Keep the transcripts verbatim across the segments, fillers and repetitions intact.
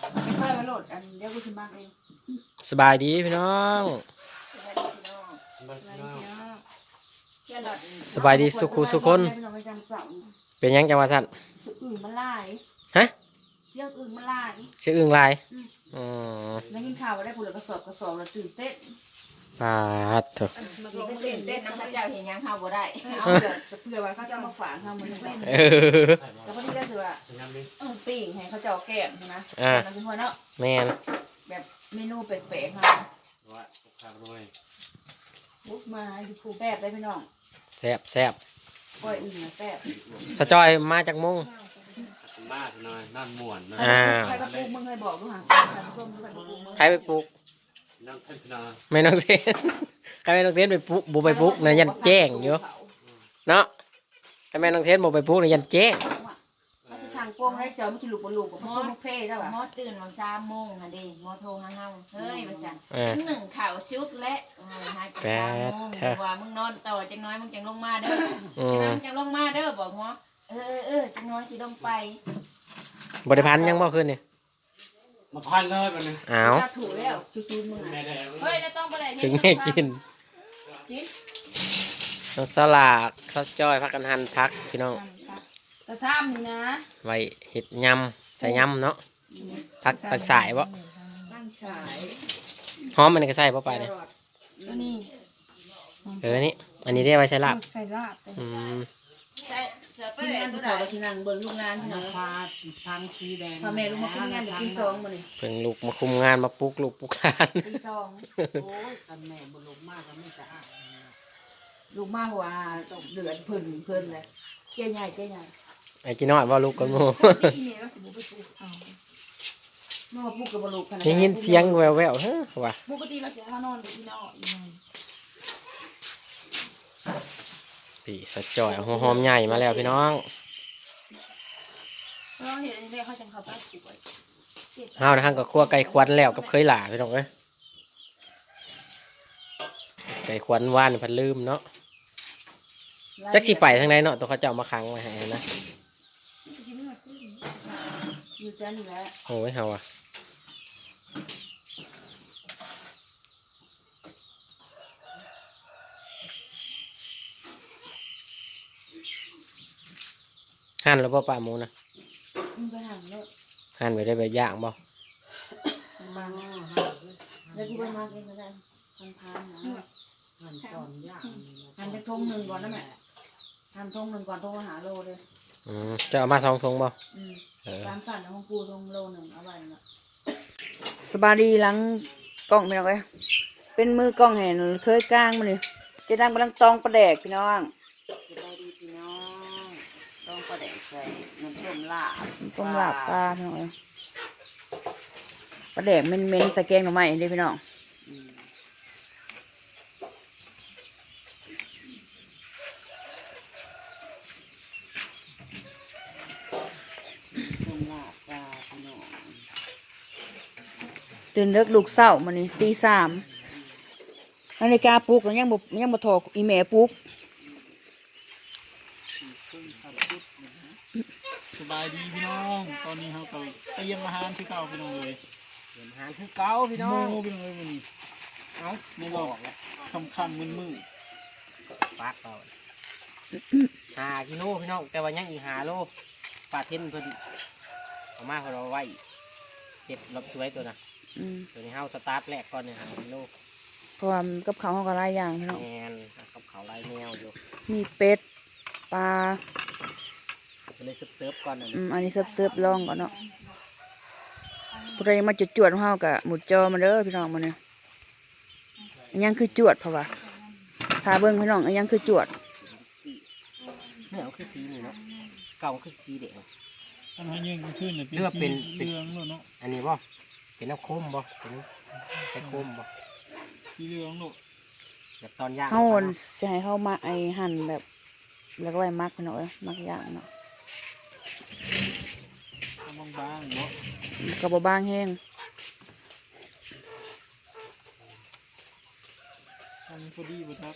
ไม่ค่อยมาโหลดอันเดี๋ยวกูจะมากเองสบายดีพี่น้องสบายดีสุขุสุคนเป็นยังจังหวะสั้นอื่นมันลายฮะเรื่องอื่นมันลายชื่ออึ่งลายอ๋อแล้วกินข้าวได้ผลกระสอบกระสอบแล้วตื่นเต้นปาดเถอะตื่นเต้นน้ำพระเจ้าเห็นยังข้าวบ่ได้เอาเผื่อไว้เขาจะมาฝากข้าวมันเต้นแล้วพอดีได้ถือว่าปิ้งให้เขาเจ้าแก้มใช่ไหมอ่าทุกคนเนาะแม่นแบบเมนูแปลกๆค่ะว่าข้าวด้วยบุกมาอยู่คู่แซ่บได้พี่น้องแซ่บแซ่บก้อยอื่นแซ่บสะจอยมาจากมุ้งมากหน่อยนั่นม่วนนะใครไปปลูกมึงเคยบอกด้วยค่ะใครไปปลูกนั่งเทนนาไม่น้องเทนใครไม่น้องเทนไปปลูกบุไปปลูกเนี่ยยันแจ้งอยู่เนาะใครไม่น้องเทนบุไปปลูกเนี่ยยันแจ้งทางโป้งได้เจอไม่กินลูกบอลลูกกับพ่อมุกเพ่ได้ป่ะมอตื่นวันสามโมงค่ะดิมอโทรหาเฮาเฮ้ยมาสั่งหนึ่งข่าวชุดและหายไปสามโมงว่ามึงนอนต่อจังน้อยมึงจังลงมาเด้อจังน้อยมึงจังลงมาเด้อบอกหมอเออเออจังน้อยสิลงไปบริพันธ์ยังบ่ขึ้นนี่มาพันเลยมันนี่อ้าวถูกแล้วซูๆมึงเฮ้ยต้องไปเลยถึงให้กินน้องสลากข้าวจ้อยพักกันหันพักพี่น้องกระซ้ำนะไว้เห็ดยำใส่ยำเนาะพักตักสายบ่หอมมันก็ใส่บ่ไปเลยเออนี่อันนี้เรียกว่าใส่ลาบใส่ลาบอืมใส่เสือประเดี๋ยวตัวใดที่นั่งเบิ่งลูกงานที่นั่งพาทางสีแดงพ่อแม่ลูกมาคุมงานตีสองมาเลยเพิ่งลูกมาคุมงานมาปลุกลูกปลุกหลานตีสองโอ้ยกันแม่บุลูกมากก็ไม่สะอาดลูกมากว่าเดือดเพิ่นเพิ่นเลยเจ๊ใหญ่เจ๊ใหญ่ไอ้กินน้อยว่าลูกกันโม่เมื่อพูดกับบลูกได้ยินเสียงแววแววเฮ้ยว่ะปกติเราจะนอนที่นอนปีสะจ่อยหอมใหญ่มาแล้วพี่น้องเราเห็นเรียกเขาจังเขาตั้งสวยเฮานะฮะก็คั่วไก่ควันแล้วกับเคยหล่าพี่น้องเอ้ยไก่ควันว่านพันลืมเนาะจักสิไปทางไหนเนาะตัวเขาเจ้ามาค้างไว้ให้นะอยู่จันแล้วโอ้ยเฮาอ่ะหั่นแล้วป่ปลาหมูนะหั่นไปได้แบบย่างบ่มาแล้วกูไปมาเองก็ได้ทันทานนะหั่นก่อนย่างหั่นไปทงหนึ่งก่อนนะแม่หั่นทงหนึ่งก่อนทงอาหารโลเลยอืมจะเอามาสองทงบ่ตามสั่นของกูทงโลหนึ่งเอาไว้นะสบายดีหลังกล้องพี่น้องเอ้ยเป็นมือกล้องเห็นเคยกลางมาเลยจะดังกำลังตองประแดกพี่น้องสบายดีพี่น้องต้องประแดกใส่น้ำต้มลาบต้มลาบปลาพี่น้องประแดกเม้นเม้นใส่แกงหน่อไม้ดิพี่น้องต้มลาบปลาพี่น้องตื่นเลิกลูกเศร้ามันนี่ตีสามนาฬิกาปลุกแล้วยังบ่ยังบ่ถอดอีเมลปลุกสบายดีพี่น้องตอนนี้เขาก็เตรียมอาหารที่เก่าพี่น้องเลยเตรียมอาหารที่เก่าพี่น้องโม่พี่น้องเลยวันนี้เอ้าไม่บอกแล้วคำคำมือมือปากเราหากิโลพี่น้องแต่ว่ายังอีหาโลปลาเทนเพิ่นเอามาเราไว้เก็บรับช่วยตัวน่ะตัวนี้เฮาสตาร์ทแรกก่อนเนี่ยหากิโลเพราะว่ากับเขาเขาก็หลายอย่างพี่น้องแมนกับเขาหลายแนวอยู่มีเป็ดปลาเลยเซิร์ฟก่อนอืมอันนี้เซิร์ฟเซิร์ฟลองก่อนเนาะผู้ใดมาจุดจวดของเฮากะหมุดจอมาเด้อพี่น้องมาเนี่ยยังคือจวดเพราะว่าถ้าเบิ้งพี่น้องยังคือจวดไม่เอาคือสีนี่เนาะเก่าคือสีเด็กอันนี้ยังขึ้นเลยเป็นสีเหลืองเนาะอันนี้บ่เป็นน้ำโคมบ่เป็นไอ้โคมบ่สีเหลืองเนาะแบบตอนย่างเขาจะให้เขามาไอหั่นแบบแล้วก็ไว้มักพี่น้องเอ้ยมักย่างเนาะบางๆเนาะกระบอกบางแห้งทำพอดีบุตร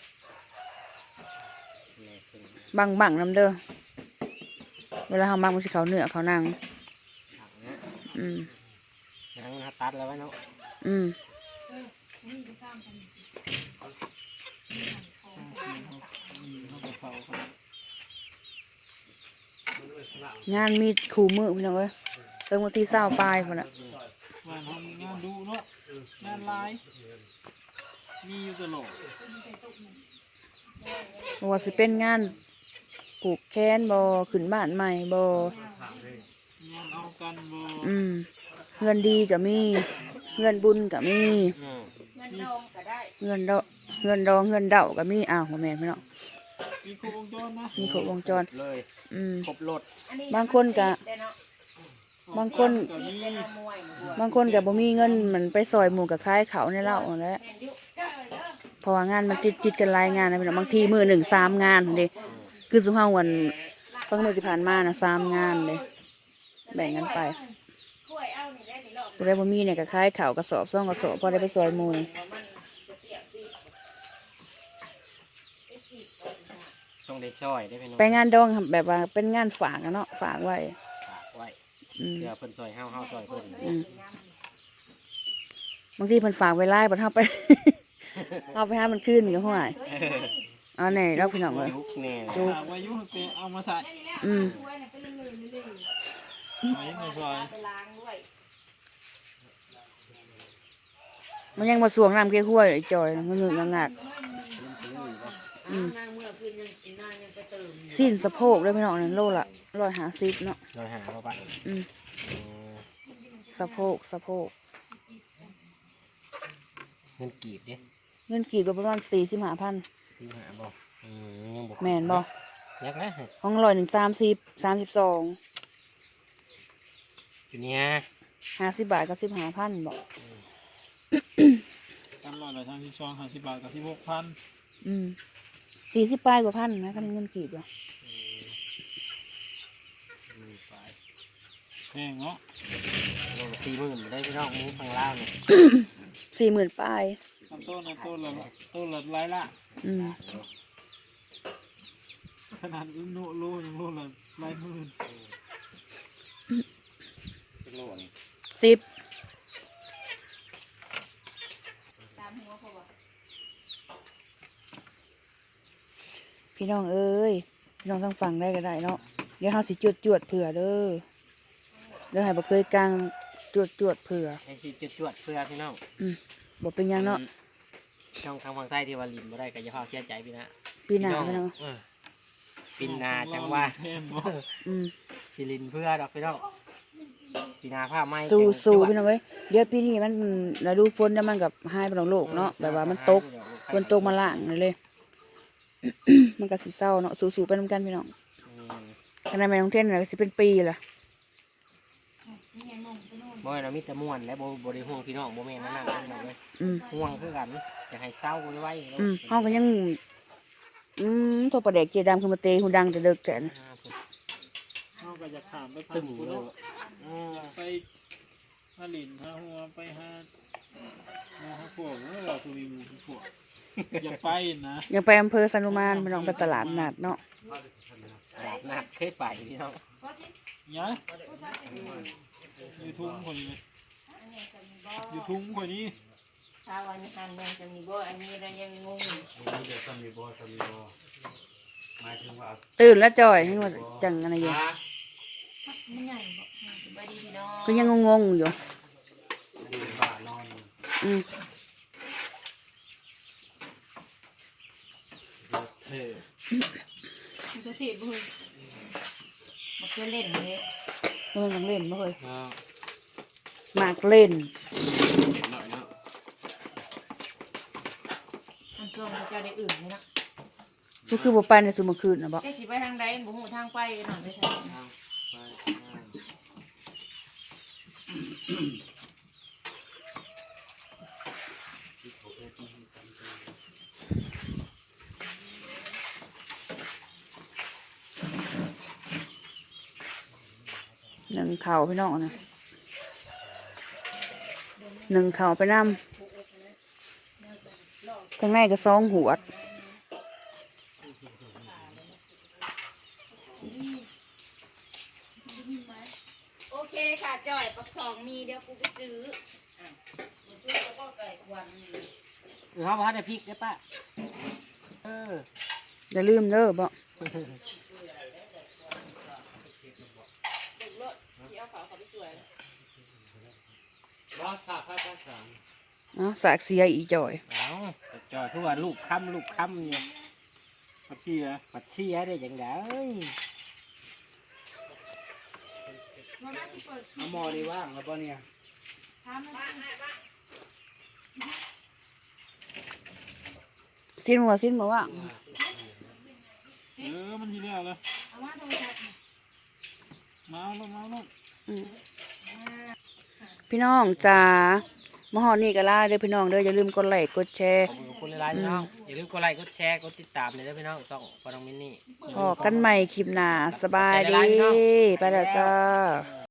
บางบังน้ำเด้อเวลาเขามักมันสิเขาเนื้อเขานางอืมหางตัดแล้วไว้เนาะอืมงานมีขู่มือพี่น้องเอ้ยเติมวันที่เศร้าปลายคนละงานทำงานดูเนาะงานลายมีอยู่ตลอดว่าสิเป็นงานปลูกแคนบอขึ้นบ้านใหม่บองานเอากันบ่อืมเงินดีก็มีเงินบุญก็มีอืมเงินดองก็ได้เงินดอกเงินดองเงินเดาก็มีอ้าวบ่แม่นพี่น้องมีครบวงจรนะมีครบวงจรเลยอืมครบรถอันนี้บางคนก็ได้เนาะบางคนก็มีได้เนาะมวยหมู่บัวบางคนก็บ่มีเงินมันไปซอยหมู่กับคายเขาในเหล้านั่นแหละแม่นอยู่เพราะว่างานมันติดติดกันหลายงานนะพี่น้องบางทีมื้อหนึ่งสามงานพุ่นเด้คือสุเฮาวันฟังมื้อที่ผ่านมานะสามงานเลยแบ่งกันไปกล้วยเอานี่ได้นี่รอบผู้ใดบ่มีเนี่ยก็คายเขาวกระสอบซ่องกระสอบพอได้ไปซอยหมู่ว่ามันจะเปียกปีไอ้สิบคนค่ะต้องได้ช่อยได้พี่น้องไปงานดองครับแบบว่าเป็นงานฝากอะเนาะฝากไว้ฝากไว้อืมเพื่อเพิ่นซอยเฮาเฮาซอยเพิ่นอืมบางทีเพิ่นฝากไว้ไล่บ่เฮาไป เอาไปหามันคืนก็ห่วยเออเอาแน่แล้วพี่น้องเอ้ยยุคแน่จุกหาไว้อยุ่งไปเอามาใส่อืมช่วยน่ะเป็นเรื่องเลยไว้ในซอยไปล้างด้วยมันยังมาสวงน้ำเกล้วยไอ้จอยนะมันงึกงักอืมนางเมื่อคืนยังกินนางยังไปเติมสิ้นสะโพกเลยพี่น้องนั่นโลละร้อยห้าสิบเนาะเราหาเข้าไปอืมอืมสะโพกสะโพกเงินกีบดิเงินกีบก็ประมาณสี่สิบห้าพันซื้อหาบ่อืมยังบ่แม่นบ่ยักนะห้องร้อยหนึ่งสามสิบสามสิบสองอยู่เนี่ยห้าสิบบาทก็สิบห้าพันบอกกันร้อยละทางที่สองห้าสิบบาทกับที่หกพันอืมสี่สิบปลายกว่าพันนะกันเงินกีบอ่ะอืมไปแพงเนาะโลละสี่หมื่นได้พี่น้องหมูฝั่งลาวเนี่ยสี่หมื่นปลายทำต้นนะต้นละต้นละหลายละอืมขนาดโลโลยังโลละหลายหมื่นเป็นโลนี่สิบตามหัวเขาบอกพี่น้องเอ้ยพี่น้องต้องฟังได้ก็ได้เนาะเดี๋ยวเฮาสิจวดจวดเผื่อเด้อเดี๋ยวให้บ่เคยกลางจวดจวดเผื่อให้สิจวดๆเพื่อพี่น้องอืมบ่เป็นหยังเนาะช่องทางฝั่งใต้ที่ว่าลินบ่ได้ก็อย่าพาเสียใจพี่นะปีหน้าพี่น้องเออปีหนาจังว่าแพงเนาะอืมสิลินเพื่อดอกพี่น้องปีหนาผ้าไหมสู้สู้เก่พี่งน้องเอ้ยเดี๋ยวปีนี้มันฤดูฝนแล้วมันกับหายไปของโลกเนาะแบบว่ามันตกฝนตกมาล่างนั่นเลย มันก็สิเศร้าเนาะสู้ๆไปนำกันพี่น้องอืมขนาดแม่น้องเทนน่ะก็สิเป็นปีล่ะบ่ให้เรามีแต่ม่วนและบ่บ่ได้ห่วงพี่น้องบ่แม่นนั่นนั่นพี่น้องเลยอืมห่วงคือกันอยากให้เศร้าไว้ๆอืมเฮาก็ยังอืมโทรประเด็กเจดำคือมาเตะหูดังแต่เด็กแต่นะเขาก็จะขามไปตึตึงงเลเนาะยอืมไปหาหลินหาหัวไปหาหาหาพวกเมื่อเราคือมีหมูพวกอยากไปนะยังไปอำเภอสนุมานพี่น้องไปตลาดนัดเนาะตลาดนัดเคยไปพี่น้องยะอยู่ทุ่งคนนี้อยู่ทุ่งคนนี้ถ้าวันนี้หันยังจะมีบ่อันนี้เรายังงงอยู่ตื่นแล้วจ่อยให้ว่าจังอะไรอยู่มันใหญ่บ่สบายดีพี่น้องก็ยังงงๆอยู่อืมมันก็ถีบบ่มันเคยเล่นเลยเล่นยังเล่นบ่เคยมากเล่นมันช่วงเขาเจ้าได้อื่นเลยนะสุคือบ่ไปในสุเมื่อคืนน่ะบ่แค่สิไปทางใดบ่ฮู้ทางไปหน่อยไปทางหนึ่งเข่าพี่น้องนะหนึ่งเข่าไปนำข้างในก็ซองหัวดโอเคค่ะจ่อยปักสองมีมีเดี๋ยวกูไปซื้ออ่ะกูซื้อก็บ่ไก่ควันนี่เออเขาพัดได้พริกได้ปะเอออย่าลืมเด้อบ่ลูกรถที่เอาเขาเขาไปสวยบ้าสาบบ้าสามเนาะสากเสียอีจ่อยเอาจอดทุกวันลูกค้ำลูกค้ำเนี่ยปัดชี้นะปัดเชียได้ยังไงเอาหมอดีว่างแล้วป่ะเนี่ยสิ้นหัวสิ้นบ่ว่าเออมันทีแล้วเลยมาแล้วมาแล้วอืมพี่น้องจ้ามาฮอดนี่ก็ลาเด้อพี่น้องเด้ออย่าลืมกดไลค์กดแชร์ขอบคุณคุณหลายๆพี่น้องอย่าลืมกดไลค์กดแชร์กดติดตามเลยนะพี่น้องต้องปน้องมินนี่พอกันใหม่คลิปหน้าสบายดีไปแล้วจ้า